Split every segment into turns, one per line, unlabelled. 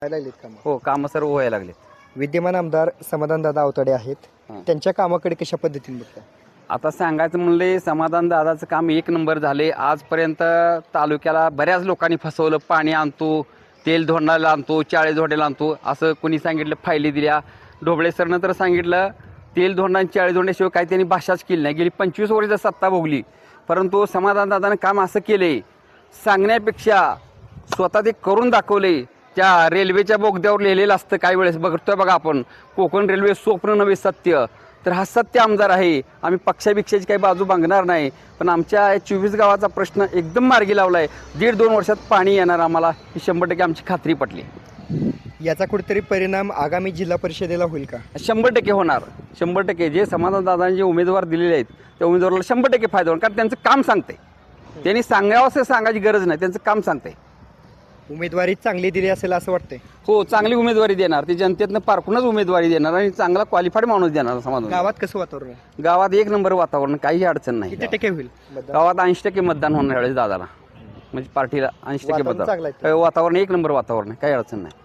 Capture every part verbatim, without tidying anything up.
लागलीत कामं.
हो, कामं सर्व व्हायला लागले.
विद्यमान आमदार समाधानदादा अवताडे आहेत.
हां.
त्यांच्या कामाकडे कशा पद्धतीने बघता?
आता सांगायचं म्हणले समाधान दादाचं काम एक नंबर झाले. आजपर्यंत तालुक्याला बऱ्याच लोकांनी फसवलं. पाणी आणतो, तेल धोंडायला आणतो, चाळे धोंड्याला आणतो असं कोणी सांगितलं, फायली दिल्या. ढोबळे सरनं तर सांगितलं तेल धोंडा आणि चाळे धोंड्याशिवाय काही त्यांनी भाषाच केली नाही. गेली पंचवीस वर्ष सत्ता भोगली, परंतु समाधान दादानं काम असं केले सांगण्यापेक्षा स्वतः ते करून दाखवले. त्या रेल्वेच्या बोगद्यावर लिहिलेलं असतं काही वेळेस, बघतोय बघा आपण, कोकण रेल्वे स्वप्न नव्हे सत्य. तर हा सत्य आमदार आहे. आम्ही पक्षाभिक्षाची काही बाजू बांगणार नाही, पण आमच्या चोवीस गावाचा प्रश्न एकदम मार्गी लावला आहे. दीड दोन वर्षात पाणी येणार आम्हाला, ही शंभर टक्के आमची खात्री पटली.
याचा कुठेतरी परिणाम आगामी जिल्हा परिषदेला होईल का?
शंभर टक्के होणार. शंभर टक्के जे समाधान दादांनी जे उमेदवार दिलेले आहेत त्या उमेदवाराला शंभर टक्के फायदा होणार, कारण त्यांचं काम सांगते. त्यांनी सांगावं असं सांगायची गरज नाही, त्यांचं काम सांगते.
उमेदवारी चांगली दिली असेल असं वाटतंय.
हो, चांगली उमेदवारी देणार. ती जनतेतनं पारखूनच उमेदवारी देणार आणि चांगला क्वालिफाईड माणूस देणार. समाधान
गावात कसं वातावरण आहे?
गावात एक नंबर वातावरण, काही अडचण नाही.
किती टक्के होईल मतदान?
गावात ऐंशी टक्के मतदान होणार यावेळेस दादाला, म्हणजे पार्टीला ऐंशी टक्के
वातावरण चांगलं आहे.
मतदान. वातावरण एक नंबर वातावरण आहे, काही अडचण नाही.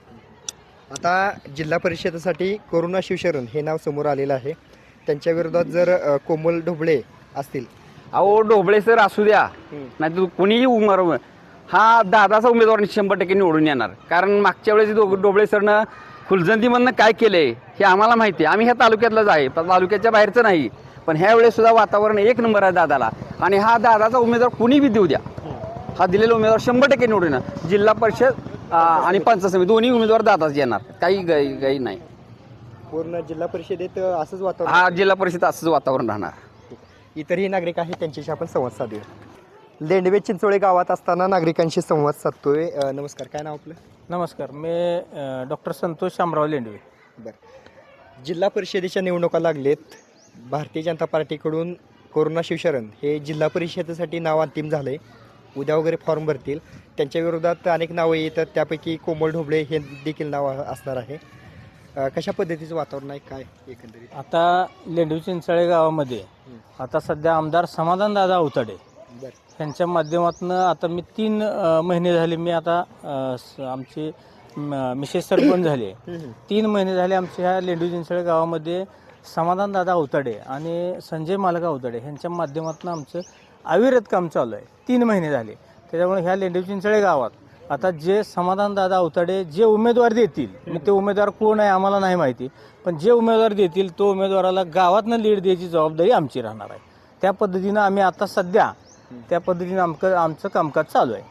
आता जिल्हा परिषदेसाठी करुणा शिवशरण हे नाव समोर आलेलं आहे. त्यांच्या विरोधात जर अ, कोमल ढोबळे असतील.
अहो, ढोबळे सर असू द्या, नाही तर कोणीही उमेदवार, हा दादाचा उमेदवार शंभर टक्के निवडून येणार. कारण मागच्या वेळेस डो- ढोबळे सरनं फुलजंतीमधनं काय केलंय हे आम्हाला माहिती आहे. आम्ही ह्या तालुक्यातलाच आहे, पण तालुक्याच्या बाहेरचं नाही. पण ह्या वेळेस सुद्धा वातावरण एक नंबर आहे दादाला, आणि हा दादाचा उमेदवार कुणी बी देऊ द्या, हा दिलेला उमेदवार शंभर टक्के निवडून येणार. जिल्हा परिषद आ, आणि पंचायत समिती दोन्ही उमेदवार दादाच येणार, काही गाई गाई नाही.
पूर्ण जिल्हा परिषदेत अ, असंच वातावरण.
हा जिल्हा परिषद असंच वातावरण राहणार.
इतरही नागरिक आहेत, त्यांच्याशी आपण संवाद साधूया. लेंडवे चिंचोळे गावात असताना नागरिकांशी संवाद साधतोय. अ, नमस्कार, काय नाव आपलं?
नमस्कार, मी डॉक्टर संतोष शामराव लेंडवे.
बरं, जिल्हा परिषदेच्या निवडणुका लागलेत. भारतीय जनता पार्टीकडून करुणा शिवशरण हे जिल्हा परिषदेसाठी नाव अंतिम झालंय. उद्या वगैरे फॉर्म भरतील. त्यांच्या विरोधात अनेक नावं येतात, त्यापैकी कोमल ढोबळे हे देखील नाव असणार आहे. अ, कशा पद्धतीचं वातावरण आहे काय एकंदरीत?
आता लेंडवे चिंचाळे गावामध्ये आता सध्या आमदार समाधानदादा अवताडे
बरं.
यांच्या माध्यमातून आता मी तीन अ, महिने झाले, मी आता अ, स- आमचे म- मिसेस सरपंच झाले. तीन महिने झाले आमच्या ह्या लेंडवे चिंचाळे गावामध्ये समाधानदादा अवताडे आणि संजय मालका अवताडे यांच्या माध्यमातून आमचं अविरत काम चालू आहे. तीन महिने झाले. त्याच्यामुळे ह्या लेंडवे चिंचाळे गावात आता जे समाधानदादा अवताडे जे उमेदवार देतील, मी ते उमेदवार कोण आहे आम्हाला नाही माहिती, पण जे उमेदवार देतील तो उमेदवाराला गावातनं लीड द्यायची जबाबदारी आमची राहणार आहे. त्या पद्धतीनं आम्ही आता सध्या त्या पद्धतीनं आमचं आमचं कामकाज चालू आहे.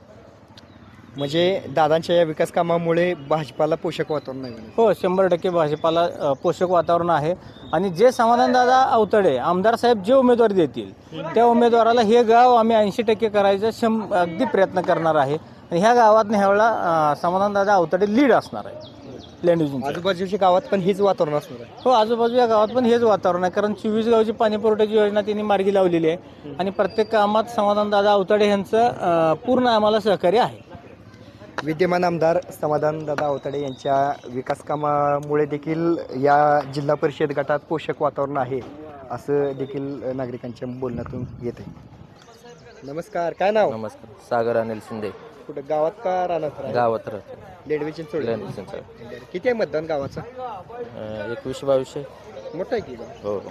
म्हणजे दादांच्या या विकास कामामुळे भाजपाला पोषक वातावरण नाही म्हणे.
हो, शंभर टक्के भाजपाला अ, पोषक वातावरण आहे. आणि जे समाधानदादा अवतडे आमदार साहेब जे उमेदवार देतील त्या उमेदवाराला हे गाव आम्ही ऐंशी टक्के करायचं शं अगदी प्रयत्न करणार आहे. आणि ह्या गावात ह्यावेळेला अ, समाधानदादा अवतडे लीड असणार आहे लेंडवे चिंचोळे.
आजूबाजूच्या गावात पण हेच वातावरण असणार आहे.
हो, आजूबाजूच्या गावात पण हेच वातावरण आहे, कारण चोवीस गावची पाणी पुरवठ्याची योजना त्यांनी मार्गी लावलेली आहे. आणि प्रत्येक कामात समाधानदादा अवतडे यांचं अ, पूर्ण आम्हाला सहकार्य आहे.
विद्यमान आमदार समाधानदादा अवताडे यांच्या विकास कामामुळे देखील या जिल्हा परिषद गटात पोषक वातावरण आहे, असं देखील नागरिकांच्या बोलण्यातून येत आहे. नमस्कार, काय नाव?
नमस्कार, सागर अनिल शिंदे.
कुठं गावात का राहणार?
गावात राहतो.
लेंडवे चिंचोळे.
लेंडवे चिंचोळे.
किती आहे मतदान गावाचं?
अं, एकवीसशे बावीसशे.
मोठं आहे की गाव?
हो हो.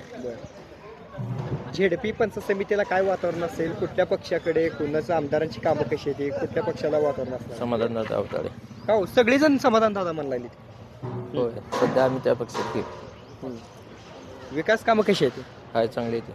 बरं. झेडपी पंचायत समितीला काय वातावरण असेल? कुठल्या पक्षाकडे, कोणाचं आमदारांची कामं कशी येते, कुठल्या पक्षाला वातावरण असणार?
समाधानदादा अवताडे.
का हो, सगळेजण समाधान दादा म्हणला.
होय, सध्या आम्ही त्या पक्षात की
विकास कामं कशी येते?
हाय चांगली येते.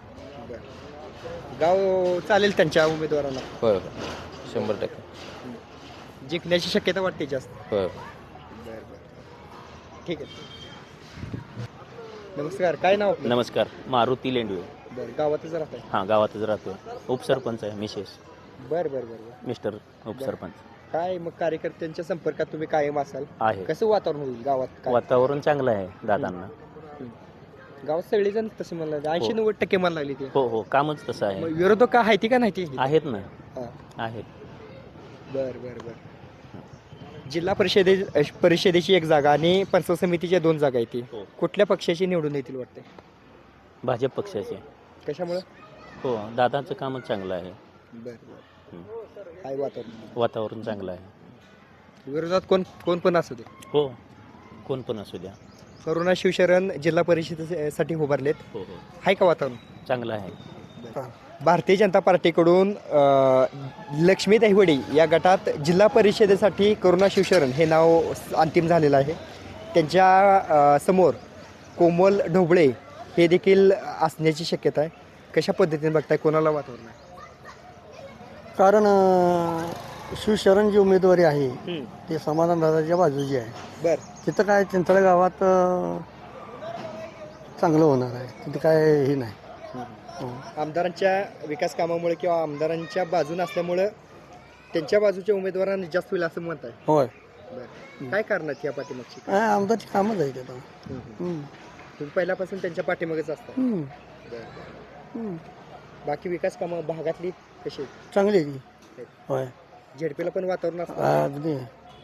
गाव चालेल त्यांच्या उमेदवाराला?
होय होय, शंभर टक्के.
जिंकण्याची शक्यता वाटते जास्त?
होय होय.
बरं बरं, ठीक आहे. नमस्कार, काय नाव आपलं?
नमस्कार, मारुती लेंडवे.
बरं, गावातच राहताय?
हां, गावातच राहतो. उपसरपंच आहे मिसेस,
बरं बरं बरं बरं.
मिस्टर उपसरपंच
काय मग कार्यकर्त्यांच्या संपर्कात तुम्ही कायम असाल?
आहे.
कसं वातावरण होईल गावात? काय?
वातावरण चांगलं आहे दादांना.
गावात सगळेजण तसे म्हणलं ऐंशी नव्वद टक्के म्हणायला लागली ते.
हो हो, कामच तसं आहे.
मग विरोधक का आहे ती का नाही ती?
आहेत ना,
हां.
आहेत.
बर बर बर. जिल्हा परिषदे परिषदेची एक जागा आणि पंचायत समितीच्या दोन जागा आहेत.
हो.
कुठल्या पक्षाची निवडून येतील वाटते?
भाजप पक्षाचे.
कशामुळे?
हो, दादांचं कामच चांगलं आहे.
बर बर.
हं.
काय वातावरण?
वातावरण चांगलं आहे.
विरोधात कोण कोण पण असू दे.
हो कोण पण असू द्या.
करुणा शिवशरण जिल्हा परिषदेसाठी उभारलेत.
हो हो
आहे का वातावरण?
चांगलं आहे.
भारतीय जनता पार्टीकडून अ, लक्ष्मी दहिवडी या गटात जिल्हा परिषदेसाठी करुणा शिवशरण हे नाव अंतिम झालेलं आहे. त्यांच्या अ, समोर कोमल ढोबळे हे देखील असण्याची शक्यता आहे. कशा पद्धतीने बघताय, कोणाला वातावरण आहे?
कारण अं, शिवशरण जी उमेदवारी आहे ते समाधान दादाच्या बाजूची आहे.
बर
तिथं काय चिंचळ गावात अं, चांगलं होणार आहे. तिथं काय हे नाही. हो.
आमदारांच्या विकास कामामुळे किंवा आमदारांच्या बाजून असल्यामुळं त्यांच्या बाजूच्या उमेदवारांना जास्त होईल असं मत आहे.
होय.
बरं. काय करणार या पाठीमागची?
काय आमदारची कामच आहे तिथं.
हम्म.
हम्म.
तुम्ही पहिल्यापासून त्यांच्या पाठीमागेच असता.
हम्म.
बरं.
हम्म.
बाकी विकास कामं भागातली कशी आहेत?
चांगली आहे ती. होय.
झेडपीला पण वातावरण असतं.
अगदी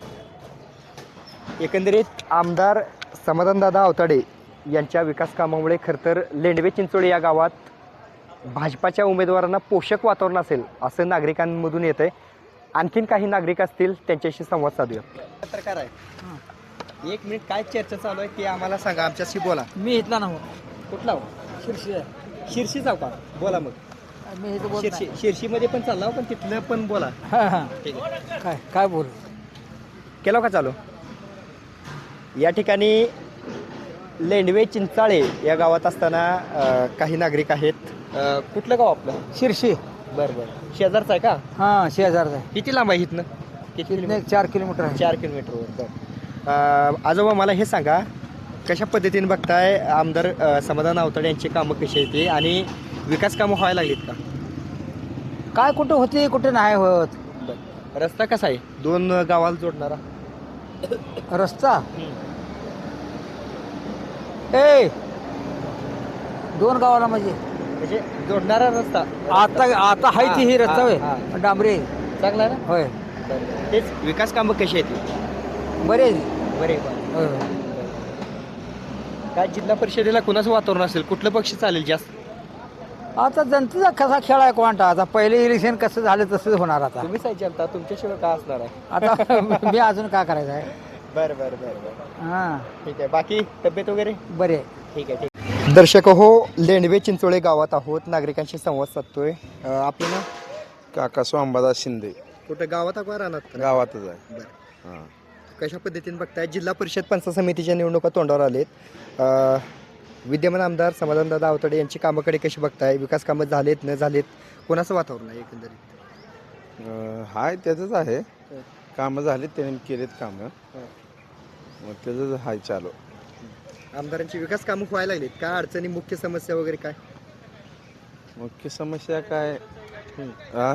एकंदरीत आमदार समाधानदादा अवताडे यांच्या विकास कामामुळे खरं तर लेंडवे चिंचोळी या गावात भाजपाच्या उमेदवारांना पोषक वातावरण असेल असं नागरिकांमधून येत आहे. आणखीन काही नागरिक असतील त्यांच्याशी संवाद साधूया. पत्रकार आहे, एक मिनिट काय चर्चा चालू आहे ते आम्हाला सांगा, आमच्याशी बोला.
मी इथला ना
कुठला हो?
शिरशी
शिर्शी जाऊ का? बोला मग.
मी इथं बोल
शिर्शी शिर्शीमध्ये पण चालला हो, पण तिथलं पण बोला.
हां हां
ठीक आहे.
काय काय बोल
केलं का चालू? या ठिकाणी लेंडवे चिंचाळे या गावात असताना अ, काही नागरिक आहेत. अ, कुठलं गाव आपलं?
शिरशी
बरं बरं. शेजारचं आहे का?
हां शेजारचा आहे.
किती लांब आहे इथनं? किती
इथनं
किलोमीटर?
एक चार किलोमीटर आहे.
चार किलोमीटरवर. बरं. अ, आजोबा मला हे सांगा, कशा पद्धतीने बघताय आमदार अ, समाधान अवताडे यांची कामं कशी आहेत ते, आणि विकास कामं व्हायला लागलीत का?
काय कुठं होते कुठे नाही होत.
बरं. रस्ता कसा आहे दोन गावाला जोडणारा?
रस्ता ए दोन गावाला म्हणजे
म्हणजे जोडणारा रस्ता
आता आता हाय ती ही रस्ता
हा,
होय
हा.
डांबरे
चांगला आहे ना?
होय.
बरं. तेच विकास कामं कशी आहेत?
बरे
बरे.
होय.
काय जिल्हा परिषदेला कुणाचं वातावरण असेल, कुठलं पक्ष चालेल जास्त?
आता जनतेचा कसा खेळ आहे कोणता. आता पहिले इलेक्शन कसं झालं तसंच होणार आता.
तुम्ही साहेब जनता तुमच्याशिवाय काय असणार आहे?
आता मी अजून काय करायचं आहे.
बरं बरं बरं बरं.
हां
ठीक आहे. बाकी तब्येत वगैरे
बरे.
ठीक आहे. ठीक. दर्शक हो, लेंडवे चिंचोळे गावात आहोत, नागरिकांशी संवाद साधतोय. अ, आपलं नाव?
काका स्वांबादास शिंदे.
कुठं गावात का राहणार?
गावातच आहे.
बरं.
हां.
कशा पद्धतीने बघताय जिल्हा परिषद पंचायत समितीच्या निवडणुका तोंडावर आलेत. अ, विद्यमान आमदार समाधानदादा अवताडे यांची कामाकडे कशी बघताय? विकास कामं झालेत न झालेत? कोणाचं वातावरण आहे एकंदरीत?
अं, हाय त्याचंच आहे. कामं झालीत, त्याने केलेत कामं. मग त्याचंच हाय चालू.
आमदारांची विकास कामं व्हायला लागलीत काय? अडचणी, मुख्य समस्या वगैरे काय?
मुख्य समस्या काय? आ?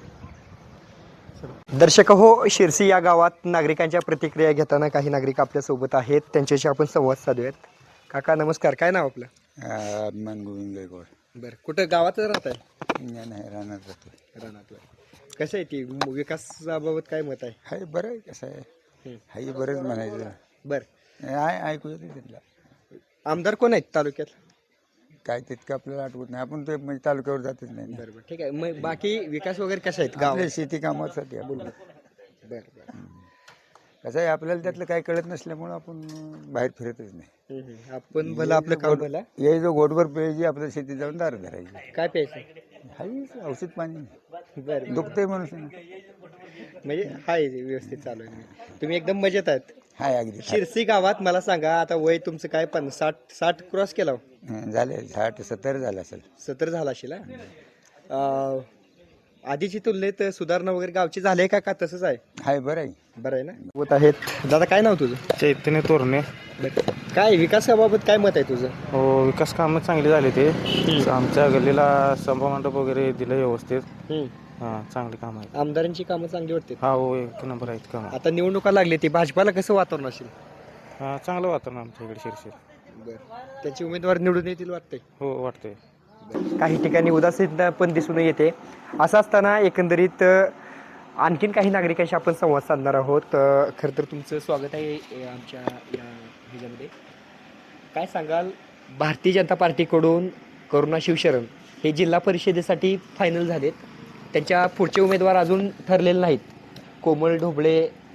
दर्शक हो, शिरसी या गावात नागरिकांच्या प्रतिक्रिया घेताना काही नागरिक आपल्यासोबत आहेत, त्यांच्याशी आपण संवाद साधूयात. काका नमस्कार, काय नाव आपलं?
अभिमान गोविंद गायकवाड.
बरं. कुठं गावातच राहत आहे?
नाही राहणार जातो.
रानातलं. कसं आहे ती विकासाबाबत काय मत आहे?
हाय बरं आहे. कसं आहे हाय बरंच म्हणायचं.
बरं.
आहे ऐकू येते तिथला.
आमदार कोण आहेत तालुक्यात?
काय तितकं आपल्याला आठवत नाही. आपण ते म्हणजे तालुक्यावर जातच नाही ना.
बरं बरं. ठीक आहे. मग बाकी विकास वगैरे कसे आहेत गाव?
आपल्या शेती कामासाठी आपण
बरं बरं.
कसं आहे आपल्याला त्यातलं काही कळत नसल्यामुळं आपण बाहेर फिरतच नाही.
हम्म, हम्म. आपण भलं आपलं काम भलं.
याही जो गोटभर प्यायची आपल्या शेतीत जाऊन दार धरायची.
काय प्यायचं?
हाय औषध पाणी
बरं.
दुखतंय म्हणून
म्हणजे हाय व्यवस्थित चालू आहे. तुम्ही एकदम मजेत आहेत.
हाय अगदी
शिरसी गावात मला सांगा, आता वय तुमचं काय? पण साठ साठ क्रॉस केला हो?
हं, झाले साठ सत्तर झालं असेल.
सत्तर झाला असेल हा? अं, आधीची तुलनेत सुधारणा वगैरे गावची झाली का का तसंच आहे?
हाय बरं आहे.
बरं आहे ना? होत आहेत. दादा काय नाव तुझं?
चैतन्य तोरणे.
काय विकासाबाबत काय मत आहे तुझं?
हो विकास कामं चांगली झाली ते. आमच्या गल्लीला सभा मंडप वगैरे दिलं व्यवस्थित.
हम्म.
हां चांगली कामं आहेत.
आमदारांची कामं चांगली वाटते.
हा हो एक नंबर आहेत कामं.
आता निवडणुका लागली, ती भाजपाला कसं वातावरण असेल?
हां चांगलं वातावरण आमच्या इकडे शिरशीर.
बरं. त्याचे उमेदवार निवडून येतील वाटतंय?
हो वाटतंय.
काही ठिकाणी उदासीनता पण दिसून येते. असं असताना एकंदरीत अ, आणखीन काही नागरिकांशी आपण संवाद साधणार आहोत. अ, खरं तर तुमचं स्वागत आहे अ, आमच्या या ह्याच्यामध्ये. काय सांगाल, भारतीय जनता पार्टीकडून करुणा शिवशरण हे जिल्हा परिषदेसाठी फायनल झालेत. त्यांच्या पुढचे उमेदवार अजून ठरलेले नाहीत. कोमल ढोबळे,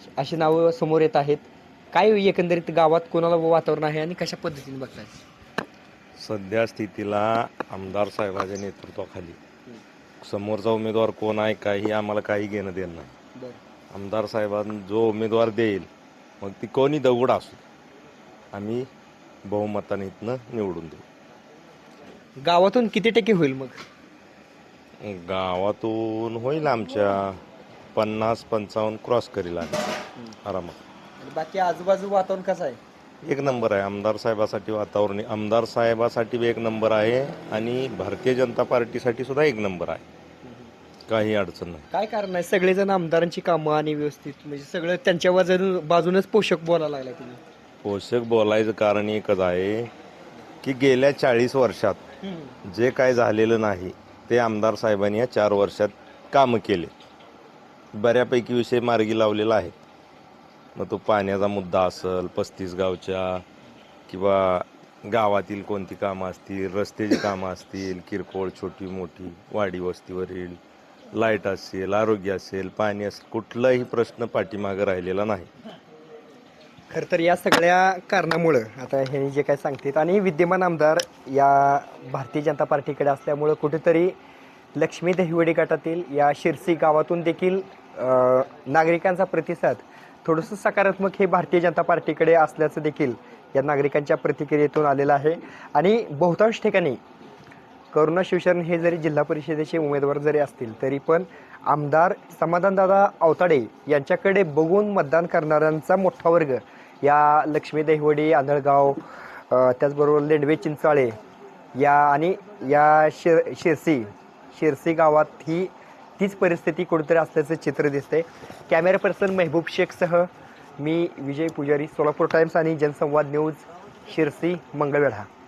अशी नावं समोर येत आहेत. काय एकंदरीत गावात कोणाला वातावरण आहे आणि कशा पद्धतीने बघताय?
सध्या स्थितीला आमदार साहेबांच्या नेतृत्वाखाली समोरचा उमेदवार कोण आहे काही आम्हाला काही घेणं देणं नाही. आमदार साहेबांना जो उमेदवार देईल मग ती कोणी दगड असू आम्ही बहुमताने इथनं निवडून देऊ.
गावातून किती टक्के होईल मग?
गावातून होईल आमच्या पन्नास पंचावन्न क्रॉस करील आम्ही आरामात.
आणि बाकी आजूबाजू वातावरण कसं आहे?
एक नंबर आहे. आमदार साहेबासाठी वातावरण आमदार साहेबासाठी एक नंबर आहे आणि भारतीय जनता पार्टीसाठी सुद्धा एक नंबर आहे. काही अडचण नाही.
काय कारण आहे? सगळेजण आमदारांची कामं आणि व्यवस्थित म्हणजे सगळं त्यांच्या बाजून बाजूनच पोषक बोलायला लागलाय तुम्ही.
पोषक बोलायचं कारण एकच आहे की गेल्या चाळीस वर्षात जे काय झालेलं नाही ते आमदार साहेबांनी या चार वर्षात कामं केले. बऱ्यापैकी विषय मार्गी लावलेला आहे. मग तो पाण्याचा मुद्दा असेल, पस्तीस गावच्या किंवा गावातील कोणती कामं असतील, रस्त्याची कामं असतील, किरकोळ छोटी मोठी वाडी वस्तीवरील लाईट असेल, आरोग्य असेल, पाणी असेल, कुठलाही प्रश्न पाठीमागं राहिलेला नाही.
खरं तर या सगळ्या कारणामुळं आता हे जे काय सांगतात आणि विद्यमान आमदार या भारतीय जनता पार्टीकडे असल्यामुळं कुठेतरी लक्ष्मी दहिवडी गटातील या शिरसी गावातून देखील अ, नागरिकांचा प्रतिसाद थोडंसं सकारात्मक हे भारतीय जनता पार्टीकडे असल्याचं देखील या नागरिकांच्या प्रतिक्रियेतून आलेलं आहे. आणि बहुतांश ठिकाणी करुणा शिवशरण हे जरी जिल्हा परिषदेचे उमेदवार जरी असतील तरी पण आमदार समाधानदादा अवताडे यांच्याकडे बघून मतदान करणाऱ्यांचा मोठा वर्ग या लक्ष्मी दहिवडी, आंधळगाव, त्याचबरोबर लेंडवे चिंचाळे या आणि या शिर शिरसी शिरसी गावात ही तीच परिस्थिती कुठेतरी असल्याचं चित्र दिसते. कॅमेरा पर्सन मेहबूब शेखसह मी विजय पुजारी, सोलापूर टाइम्स आणि जनसंवाद न्यूज, शिरसी, मंगळवेढा.